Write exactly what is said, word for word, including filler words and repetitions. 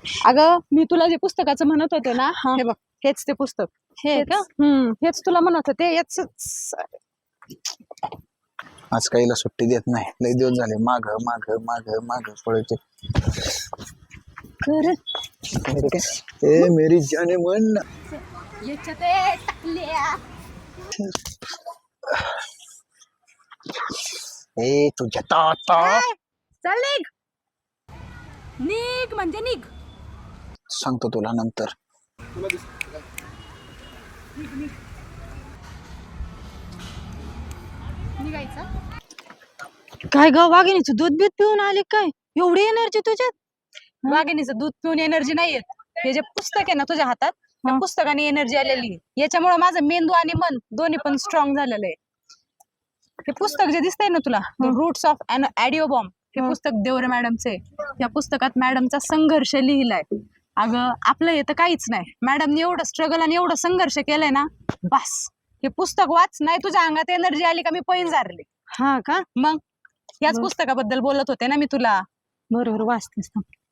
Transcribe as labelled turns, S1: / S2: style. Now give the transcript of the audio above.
S1: अगं मी तुला जे पुस्तकाचं म्हणत होते ना
S2: हा.
S1: हे बघ हेच ते पुस्तक
S2: हे
S1: हेच
S2: का?
S1: हम्म हेच तुला म्हणत होते याच
S3: आज काहीला सुट्टी देत नाही, लय दिवस झाले माग माग माग माग पळते.
S2: खरं
S3: अरे काय ए मेरी जाने मन ना.
S1: याच्यात टाकल्या
S3: ए तुझ्या ताता
S1: चल निघ निघ म्हणजे निघ
S3: सांगतो तुला नंतर.
S1: निघायचं
S2: काय ग वाघिणीचं दूध बीत पिऊन आले काय? एवढी एनर्जी तुझ्यात?
S1: वाघिणीचं दूध पिऊन एनर्जी नाही येत. हे जे पुस्तक आहे ना तुझ्या हातात त्या पुस्तकाने एनर्जी आलेली आहे. याच्यामुळे माझं मेंदू आणि मन दोन्ही पण स्ट्रॉंग झालेलं आहे. हे पुस्तक जे दिसतंय ना तुला रूट्स ऑफ अन ॲडिओबॉम्ब हे पुस्तक देवरे मॅडमचे. या पुस्तकात मॅडमचा संघर्ष लिहिलाय. अगं आपलं हे तर काहीच नाही. मॅडमने एवढं स्ट्रगल आणि एवढं संघर्ष केलंय ना बस. हे पुस्तक वाच नाही तुझ्या अंगात एनर्जी आली का मी पैन झारले.
S2: हा का?
S1: मग याच पुस्तकाबद्दल बोलत होते ना मी तुला.
S2: बरोबर वाचतेस.